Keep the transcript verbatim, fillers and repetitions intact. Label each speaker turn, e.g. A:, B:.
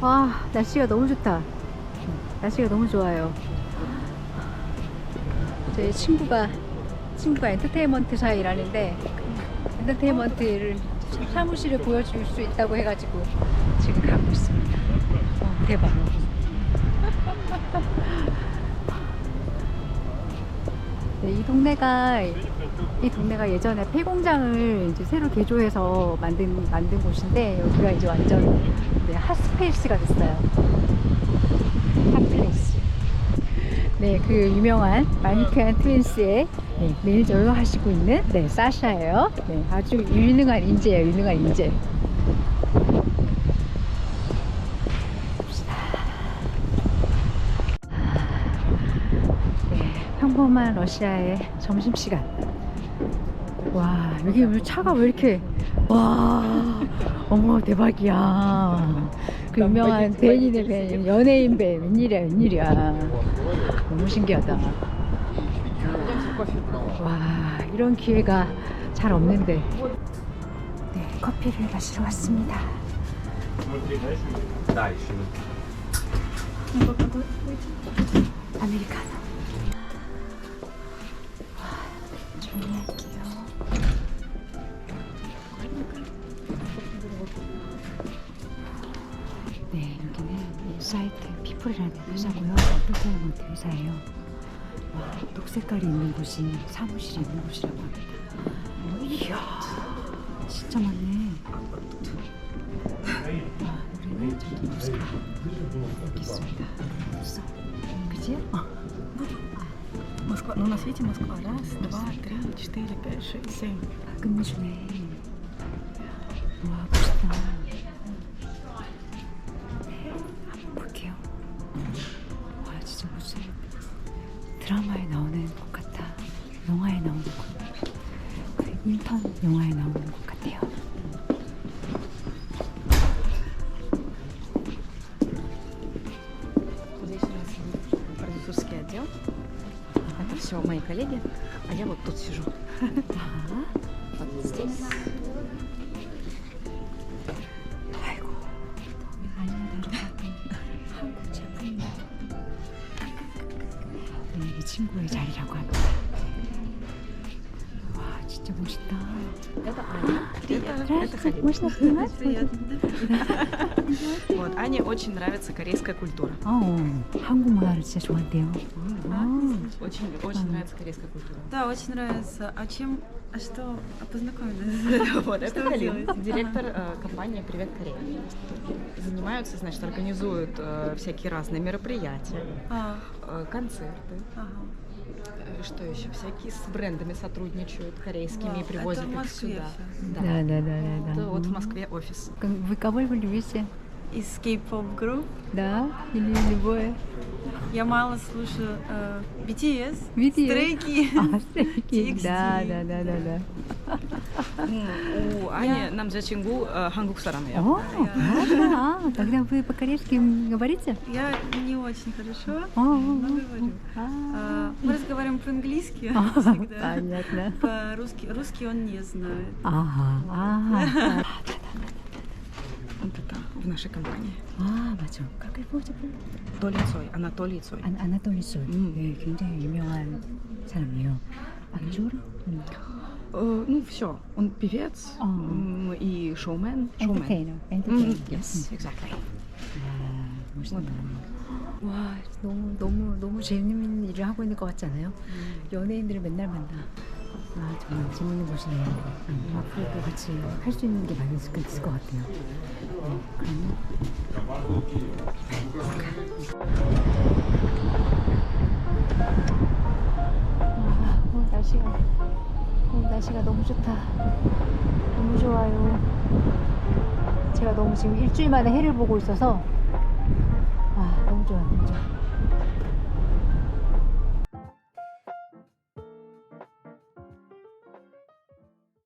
A: 와, 날씨가 너무 좋다. 날씨가 너무 좋아요. 저희 친구가 친구가 엔터테인먼트사에 일하는데 엔터테인먼트를 사무실을 보여줄 수 있다고 해가지고 지금 가고 있습니다. 어, 대박. 네, 이 동네가 이 동네가 예전에 폐공장을 이제 새로 개조해서 만든 만든 곳인데 여기가 이제 완전 네, 핫스페이스가 됐어요. 핫플레이스. 네, 그 유명한 마니큐안 트윈스의 네, 매니저로 하시고 있는 네, 사샤예요. 네, 아주 유능한 인재예요. 유능한 인재. 평범한 러시아의 점심시간. 와, 여기 왜 차가 왜 이렇게, 와, 어머, 대박이야. 그 유명한 벤이네, 벤. 연예인 벤. 웬일이야, 웬일이야. 너무 신기하다. 와, 이런 기회가 잘 없는데. 네, 커피를 마시러 왔습니다. 아메리카노. 정리할게요. 네, 여기는 인사이트 피플이라는 회사고요. 엔터테인먼트 회사예요. 와, 녹색깔이 있는 곳이 사무실이 있는 곳이라고 합니다. 어, 이야, 진짜 많네. 와, 우리는 저기 모스크바 여기 있습니다. 있어, 그치? 어.
B: Москва. Ну, на свете Москва. Раз, два, три, четыре, пять, шесть, семь.
A: 아, 끝내주네. 와, 멋있다. 네, 한번 볼게요. 와, 진짜 무슨 드라마에 나오는 것 같아. 영화에 나오는 것. 그 인턴 영화에 나오는 것 같아요.
B: Здесь у нас продюсерский отдел. Это все мои коллеги, а я вот тут сижу.
A: 아,
B: Вот здесь.
A: 아이고, 아니야, 한국 제품. 네, 이 친구의 자리라고 합니다. 와, 진짜 멋있다.
B: Это Аня. Это, это Халид.
A: Можно снимать?
B: Вот, Ане очень нравится корейская культура.
A: 어, 한국 문화를 진짜 좋아한대요. 아,
B: Очень, очень нравится корейская культура.
C: Да, очень нравится. А чем, а что, а познакомились?
B: Вот, это
C: Что вы
B: Халид,
C: делаете?
B: директор э, компании «Привет, Корея». Занимаются, значит, организуют э, всякие разные мероприятия,
C: А,
B: э, концерты.
C: ага.
B: Э, Что еще? Всякие с брендами сотрудничают корейскими
C: Вау,
B: и привозят
C: это в
B: их
C: Москве
B: сюда.
C: всё.
B: Да.
A: да, да, да, да,
B: Это
A: да.
B: вот в Москве офис.
A: Вы кого вы любите?
C: Из K-pop групп.
A: Да? Или любое?
C: Я мало слушаю э, би ти эс,
A: би ти эс.
C: Stray Kids.
A: А, Stray Kids.
C: ти экс ти.
A: Да, да, да, да, да.
B: У Ани 남자친구 э, 한국 사람이에요.
A: О, ладно. Тогда вы по-корейски говорите?
C: Я не очень хорошо,
A: О,
C: но говорю.
A: а,
C: А, мы разговариваем по-английски
A: А,
C: всегда.
A: понятно.
C: По-русски русский он не знает.
A: 아하, 아,
B: Вот это в нашей компании.
A: 아, 맞아. как его зовут?
B: Толи Цой, Анатолий Цой.
A: 안, 아나톨리 솔.
B: 음.
A: 네, 굉장히 유명한 사람이에요. актер? 음.
B: Э, Ну, все. Он певец
A: А.
B: м, и шоумен. шоумен.
A: 엔터테이너.
B: М,
A: 엔터테이너.
B: Yes, exactly.
A: 아, 멋있다. 와, 너무 너무 너무 재밌는 일을 하고 있는 것 같지 않아요? 연예인들을 맨날 만나. 아, 정말 재밌는 곳이네요. 음, 앞으로도 같이 할 수 있는 게 많이 있을 것 있을 것 같아요. 네, 그러면 와, 오늘 날씨가 오늘 날씨가 너무 좋다. 너무 좋아요. 제가 너무 지금 일주일 만에 해를 보고 있어서